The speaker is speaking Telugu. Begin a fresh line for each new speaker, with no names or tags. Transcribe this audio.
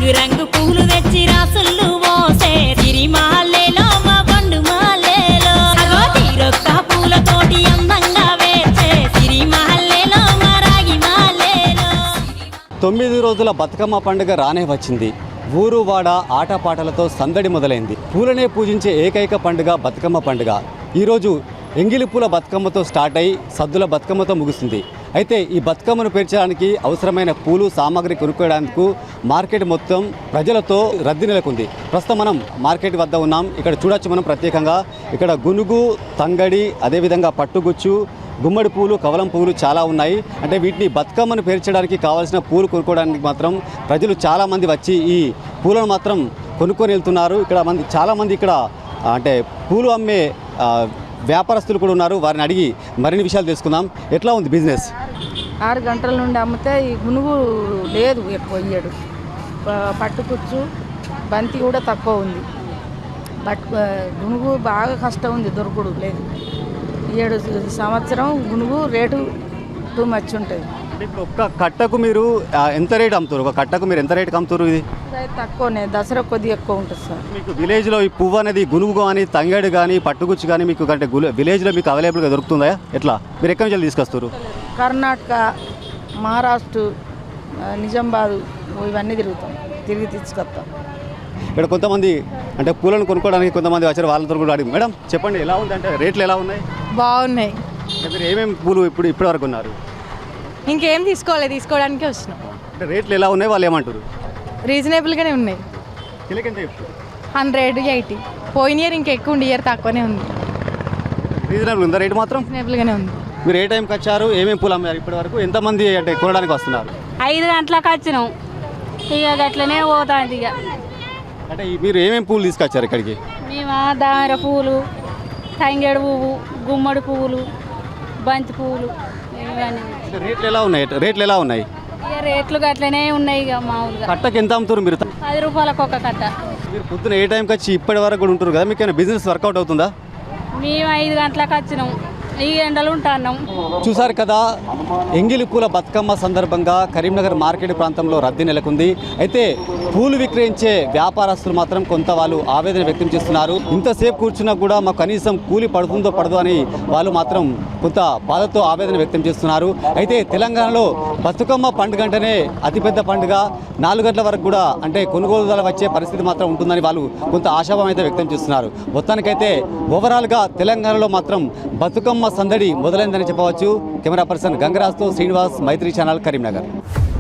రంగు రంగు పూలు తెచ్చి రాసులు మోసే సిరిమాలేలో మా పండు మాలేలో అగో తీరొక్క పూలతోటి అందంగా వేసే సిరిమాలేలో మా రాగి మాలేలో.
9 రోజుల బతుకమ్మ పండుగ రానే వచ్చింది. ఊరు వాడ ఆటపాటలతో సందడి మొదలైంది. పూలనే పూజించే ఏకైక పండుగ బతుకమ్మ పండుగ. ఈరోజు ఎంగిలి పూల బతుకమ్మతో స్టార్ట్ అయి సద్దుల బతుకమ్మతో ముగుస్తుంది. అయితే ఈ బతుకమ్మను పేర్చడానికి అవసరమైన పూలు సామాగ్రి కొనుక్కోవడానికి మార్కెట్ మొత్తం ప్రజలతో రద్దీ నెలకొంది. ప్రస్తుతం మనం మార్కెట్ వద్ద ఉన్నాం. ఇక్కడ చూడొచ్చు మనం ప్రత్యేకంగా ఇక్కడ గునుగు, తంగడి, అదేవిధంగా పట్టుగుచ్చు, గుమ్మడి పూలు, కవలం పూలు చాలా ఉన్నాయి. అంటే వీటిని బతుకమ్మను పేర్చడానికి కావాల్సిన పూలు కొనుక్కోవడానికి మాత్రం ప్రజలు చాలామంది వచ్చి ఈ పూలను మాత్రం కొనుక్కొని వెళ్తున్నారు. ఇక్కడ చాలామంది ఇక్కడ అంటే పూలు అమ్మే వ్యాపారస్తులు కూడా ఉన్నారు. వారిని అడిగి మరిన్ని విషయాలు తెలుసుకుందాం. ఎట్లా ఉంది బిజినెస్?
6 గంటల నుండి అమ్మితే ఈ గునుగు లేదు, ఎక్కువ ఇయ్యడు. పట్టుకుచ్చు, బంతి కూడా తక్కువ ఉంది. గునుగు బాగా కష్టం ఉంది, దొరకడు లేదు. 7 సంవత్సరం గునుగు రేటు టూ మచ్ ఉంటుంది.
ఇప్పుడు ఒక్క కట్టకు మీరు ఎంత రేట్ అమ్ముతారు? ఒక కట్టకు మీరు ఎంత రేటుకి అమ్ముతారు? ఇది
తక్కువనే, దసరా కొద్దిగా ఎక్కువ ఉంటుంది సార్.
మీకు విలేజ్లో ఈ పువ్వు అనేది గునుగు కానీ, తంగడి కానీ, పట్టుగుచ్చు కానీ మీకు అంటే విలేజ్లో మీకు అవైలబుల్గా దొరుకుతుందా? ఎట్లా మీరు ఎక్కడి నుంచి తీసుకొస్తారు?
కర్ణాటక, మహారాష్ట్ర, నిజామాబాద్ ఇవన్నీ తిరిగి తీసుకొస్తాం.
ఇక్కడ కొంతమంది అంటే పూలను కొనుక్కోవడానికి కొంతమంది వచ్చారు. వాళ్ళతో కూడా అడిగి మేడం చెప్పండి ఎలా ఉంది అంటే రేట్లు ఎలా ఉన్నాయి?
బాగున్నాయి.
మీరు ఏమేమి పూలు ఇప్పటి వరకు ఉన్నారు?
ఇంకేం తీసుకోవడానికి వచ్చినాం.
అంటే రేట్లు ఎలా ఉన్నాయి వాళ్ళు ఏమంటారు?
రీజనబుల్గానే ఉన్నాయి.
కిలోకి
180. పోయిన ఇయర్ ఇంకా ఎక్కువ ఉంది, ఇయర్ తక్కువనే ఉంది.
రీజనబుల్ ఉందా రేటు మాత్రం?
రీజనబుల్గానే ఉంది.
మీరు ఏ టైంకి వచ్చారు? ఏమేమి పూలు అమ్మారు ఇప్పటి వరకు? ఎంతమంది అంటే కొనడానికి వస్తున్నారు?
5 గంటలకు వచ్చినాం, ఇక అట్లనే పోతాంది. ఇక
అంటే మీరు ఏమేమి పూలు తీసుకొచ్చారు ఇక్కడికి?
మేము దామర పూలు, తంగేడు పువ్వు, గుమ్మడి పువ్వులు, బంతి పువ్వులు ఇవన్నీ.
రేట్లు ఎలా ఉన్నాయి?
ఇక రేట్లు అట్లనే ఉన్నాయి. ఇక మామూలుగా
కట్టకి ఎంత అమ్ముతారు మీరు?
10 రూపాయలకు ఒక కట్ట.
మీరు పొద్దున ఏ టైంకి వచ్చి ఇప్పటి వరకు కూడా ఉంటారు కదా, మీకు ఏమైనా బిజినెస్ వర్కౌట్ అవుతుందా?
మేము 5 గంటలకు వచ్చినాం, ఈ ఎండలు ఉంటున్నాం.
చూసారు కదా, ఎంగిలి పూల బతుకమ్మ సందర్భంగా కరీంనగర్ మార్కెట్ ప్రాంతంలో రద్దీ నెలకొంది. అయితే పూలు విక్రయించే వ్యాపారస్తులు మాత్రం కొంత వాళ్ళు ఆవేదన వ్యక్తం చేస్తున్నారు. ఇంతసేపు కూర్చున్నా కూడా మాకు కనీసం కూలి పడుతుందో పడదో అని వాళ్ళు మాత్రం కొంత బాధతో ఆవేదన వ్యక్తం చేస్తున్నారు. అయితే తెలంగాణలో బతుకమ్మ పండుగ అంటేనే అతిపెద్ద పండుగ. 4 గంటల వరకు కూడా అంటే కొనుగోలుదారులు వచ్చే పరిస్థితి మాత్రం ఉంటుందని వాళ్ళు కొంత ఆశాభావం అయితే వ్యక్తం చేస్తున్నారు. మొత్తానికైతే ఓవరాల్గా తెలంగాణలో మాత్రం బతుకమ్మ సందడి మొదలైందని చెప్పవచ్చు. కెమెరా పర్సన్ గంగరాజ్తో శ్రీనివాస్, మైత్రి ఛానల్, కరీంనగర్.